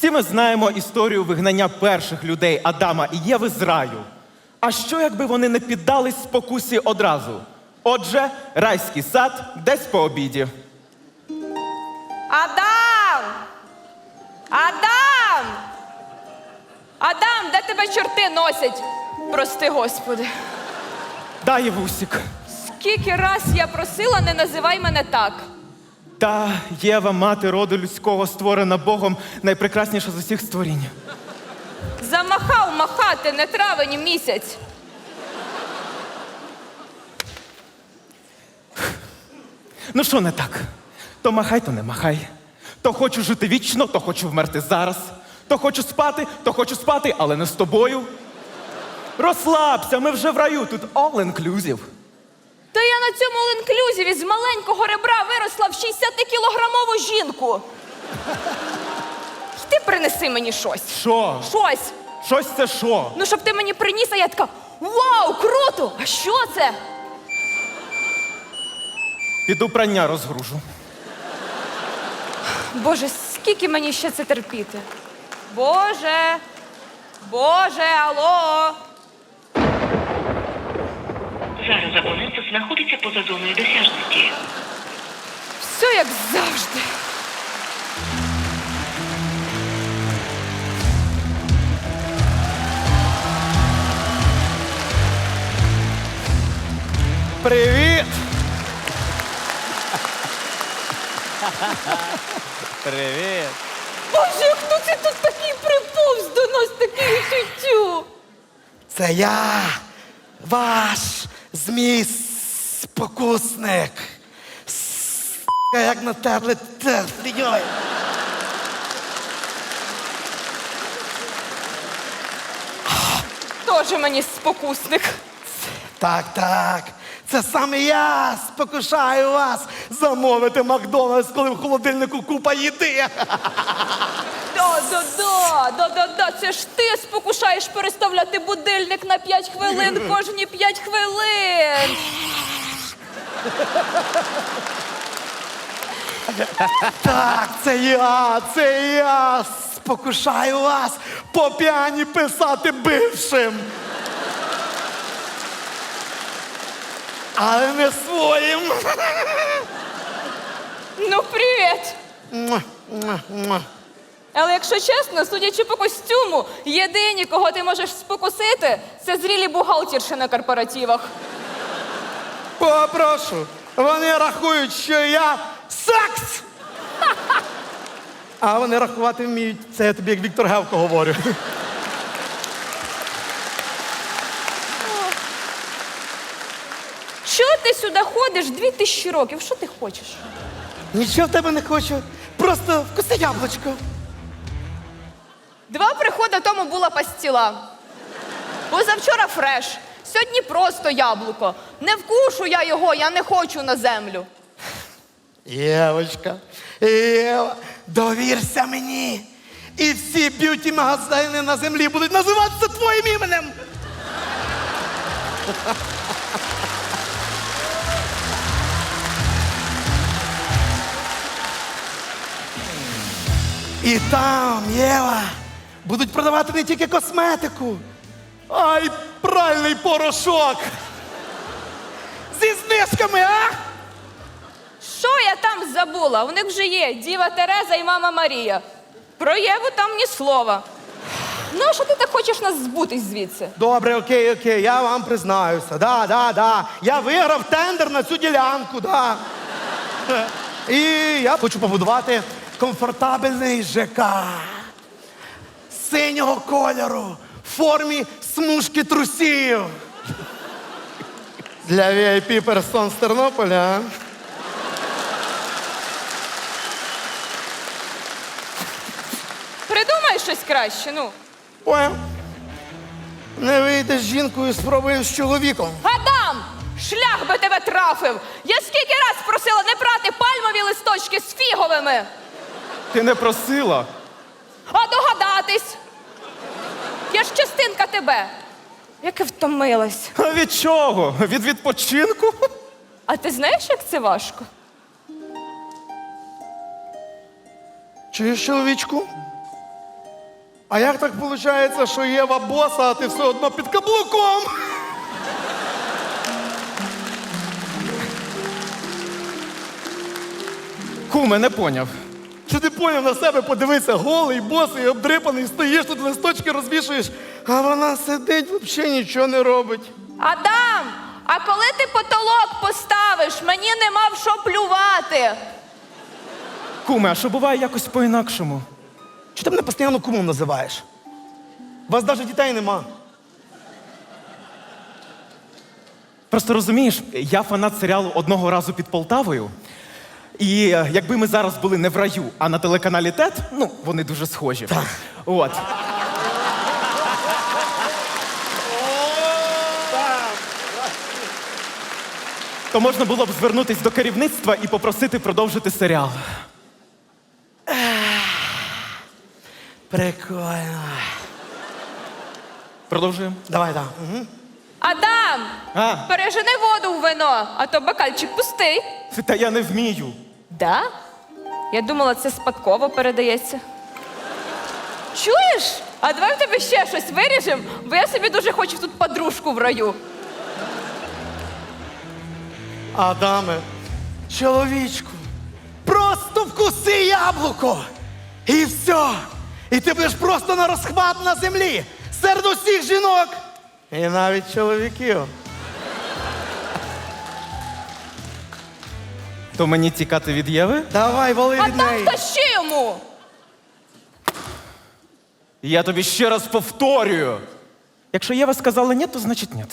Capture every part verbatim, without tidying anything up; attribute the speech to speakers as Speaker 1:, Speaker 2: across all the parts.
Speaker 1: Всі ми знаємо історію вигнання перших людей Адама і Єви з раю. А що, якби вони не піддались спокусі одразу? Отже, райський сад десь по обіді.
Speaker 2: Адам! Адам! Адам, де тебе чорти носять? Прости, Господи.
Speaker 1: Да, Євусік.
Speaker 2: Скільки раз я просила, не називай мене так.
Speaker 1: Та Єва, мати роду людського, створена Богом, найпрекрасніша з усіх створінь.
Speaker 2: Замахав махати, не травень місяць.
Speaker 1: Ну що не так? То махай, то не махай. То хочу жити вічно, то хочу вмерти зараз. То хочу спати, то хочу спати, але не з тобою. Розслабся, ми вже в раю, тут all inclusive.
Speaker 2: Та я на цьому all-inclusive з маленького ребра виросла в шістдесятикілограмову жінку. Ти принеси мені щось.
Speaker 1: Що?
Speaker 2: Щось.
Speaker 1: Щось це що?
Speaker 2: Ну, щоб ти мені приніс, а я така, вау, круто! А що це?
Speaker 1: Піду прання розгружу.
Speaker 2: Боже, скільки мені ще це терпіти? Боже, Боже, алло!
Speaker 3: Зараз абонент знаходиться поза зоною досяжності.
Speaker 2: Все як завжди.
Speaker 1: Привіт! Привіт!
Speaker 2: Боже, хто це тут такий приповз до нас, такий тютю?
Speaker 4: Це я, ваш змій спокусник. С**ка, як натерли терти, йой.
Speaker 2: Тоже мені спокусник.
Speaker 4: Так, так. Це саме я спокушаю вас замовити Макдональдс, коли в холодильнику купа їди.
Speaker 2: Да-да-да, да-да-да, це ж ти спокушаєш переставляти будильник на п'ять хвилин кожні п'ять хвилин.
Speaker 4: Так, це я, це я спокушаю вас по п'яні писати бившим. Але не своїм.
Speaker 2: Ну, привіт.
Speaker 4: Муа, муа, муа.
Speaker 2: Але якщо чесно, судячи по костюму, єдині, кого ти можеш спокусити, це зрілі бухгалтерші на корпоративах.
Speaker 4: Попрошу. Вони рахують, що я секс. А вони рахувати вміють. Це я тобі як Віктор Гевко говорю.
Speaker 2: Чого ти сюди ходиш дві тисячі років? Що ти хочеш?
Speaker 4: Нічого в тебе не хочу. Просто вкуси яблучко.
Speaker 2: Два приходи тому була пастіла. Позавчора фреш, сьогодні просто яблуко. Не вкушу я його, я не хочу на землю.
Speaker 4: Євочка, Єва, довірся мені. І всі б'юті-магазини на землі будуть називатися твоїм іменем. І там, Єва, будуть продавати не тільки косметику, а й пральний порошок. Зі знижками, а?
Speaker 2: Що я там забула? У них вже є Діва Тереза і мама Марія. Про Єву там ні слова. Ну, а що ти так хочеш нас збутись звідси?
Speaker 4: Добре, окей, окей, я вам признаюся. Да, да, да. Я виграв тендер на цю ділянку, да. І я хочу побудувати комфортабельний ЖК. Синього кольору, в формі смужки трусів. Для ві ай пі персон з Тернополя.
Speaker 2: Придумай щось краще, ну.
Speaker 4: Ой, не вийде з жінкою, спробуємо з чоловіком.
Speaker 2: Адам! Шлях би тебе трафив! Я скільки раз просила не брати пальмові листочки з фіговими!
Speaker 1: Ти не просила?
Speaker 2: А догадатись! Я ж частинка тебе! Яке втомилась.
Speaker 1: А від чого? Від відпочинку?
Speaker 2: А ти знаєш, як це важко?
Speaker 4: Чуєш, чоловічку? А як так виходить, що Єва боса, а ти все одно під каблуком?
Speaker 1: Куме, не поняв.
Speaker 4: Чи ти поняв на себе, подивися, голий, босий, обдрипаний, стоїш тут, листочки розвішуєш, а вона сидить, взагалі нічого не робить.
Speaker 2: Адам, а коли ти потолок поставиш, мені нема в що плювати.
Speaker 1: Куме, а що буває якось по-інакшому?
Speaker 4: Чи ти мене постійно кумом називаєш? У вас навіть дітей нема.
Speaker 1: Просто розумієш, я фанат серіалу «Одного разу під Полтавою». І е, якби ми зараз були не в раю, а на телеканалі ТЕТ, ну, вони дуже схожі. Так. От. То можна було б звернутися до керівництва і попросити продовжити серіал.
Speaker 4: Прикольно.
Speaker 1: Продовжуємо?
Speaker 4: Давай, так. Угу.
Speaker 2: Адам,
Speaker 1: А?
Speaker 2: пережени воду в вино, а то бокальчик пустий.
Speaker 1: Та я не вмію.
Speaker 2: Да? Я думала, це спадково передається. Чуєш? А давай в тебе ще щось виріжемо, бо я собі дуже хочу тут подружку в раю.
Speaker 4: Адаме, чоловічку, просто вкуси яблуко. І все. І ти будеш просто на розхват на землі. Серед усіх жінок. І навіть чоловіків.
Speaker 1: То мені тікати від Єви?
Speaker 4: Давай, вали від
Speaker 2: Адам,
Speaker 4: неї.
Speaker 2: тащи йому!
Speaker 1: Я тобі ще раз повторюю. Якщо Єва сказала ні, то значить ні.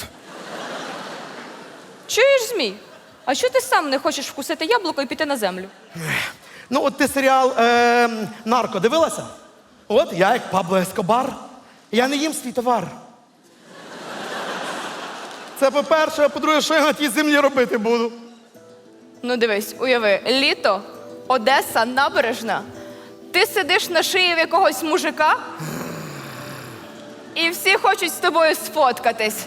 Speaker 2: Чуєш, Змій? А що ти сам не хочеш вкусити яблуко і піти на землю?
Speaker 4: Ну, от ти серіал е, «Нарко» дивилася? От я як Пабло Ескобар. Я не їм свій товар. Це по-перше, а по-друге, що я на тій землі робити буду?
Speaker 2: Ну дивись, уяви, літо, Одеса, набережна. Ти сидиш на шиї в якогось мужика, і всі хочуть з тобою сфоткатись.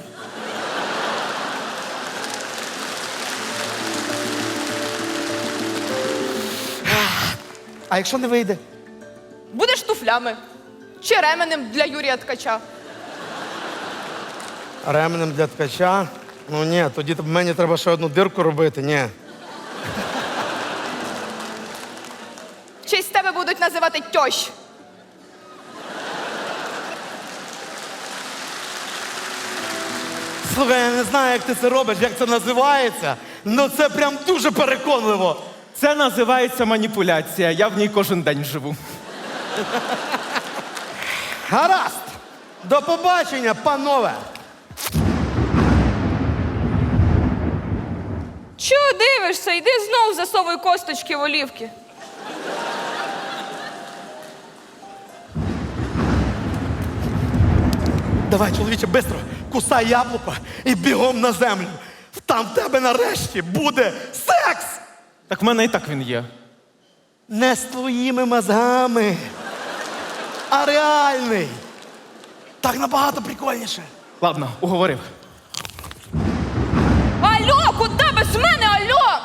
Speaker 4: А якщо не вийде?
Speaker 2: Будеш туфлями чи ременем для Юрія Ткача.
Speaker 4: Ременем для ткача? Ну ні, тоді мені треба ще одну дирку робити, ні.
Speaker 2: Чи з тебе будуть називати тьощ.
Speaker 4: Слухай, я не знаю, як ти це робиш, як це називається, але це прям дуже переконливо.
Speaker 1: Це називається маніпуляція. Я в ній кожен день живу.
Speaker 4: Гаразд! До побачення, панове!
Speaker 2: Чого дивишся? Йди знов засовуй косточки в олівки.
Speaker 4: Давай, чоловіче, швидко, кусай яблуко і бігом на землю. Там в тебе нарешті буде секс!
Speaker 1: Так в мене і так він є.
Speaker 4: Не з твоїми мозгами, а реальний. Так набагато прикольніше.
Speaker 1: Ладно, уговорив.
Speaker 2: Алло, куди без мене, алло?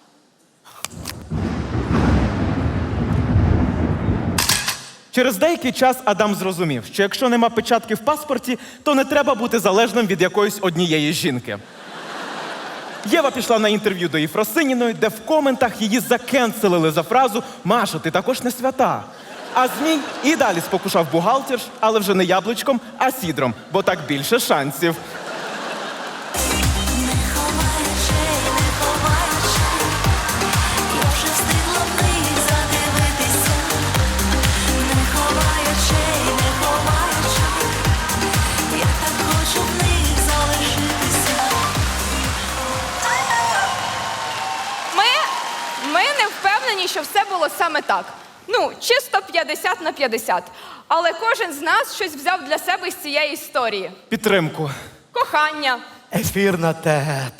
Speaker 1: Через деякий час Адам зрозумів, що якщо нема печатки в паспорті, то не треба бути залежним від якоїсь однієї жінки. Єва пішла на інтерв'ю до Єфросиніної, де в коментах її закенселили за фразу «Маша, ти також не свята». А Змій і далі спокушав бухгалтерш, але вже не яблучком, а сідром, бо так більше шансів.
Speaker 5: Не ховай очей, не ховай очей, я вже встигла в них задивитися. Не ховай очей, не ховай очей, я так хочу в них залишитися.
Speaker 2: Ми, ми не впевнені, що все було саме так. Ну, чисто п'ятдесят на п'ятдесят. Але кожен з нас щось взяв для себе з цієї історії.
Speaker 1: Підтримку.
Speaker 2: Кохання.
Speaker 4: Ефір на тет.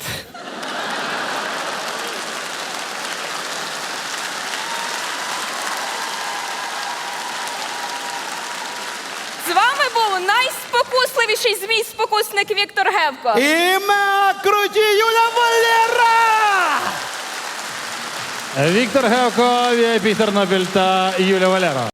Speaker 2: З вами був найспокусливіший змій-спокусник Віктор Гевко.
Speaker 4: І меа круті Юля Валера!
Speaker 6: Віктор Гевко, ві ай пі Тернопіль та Юля Валера.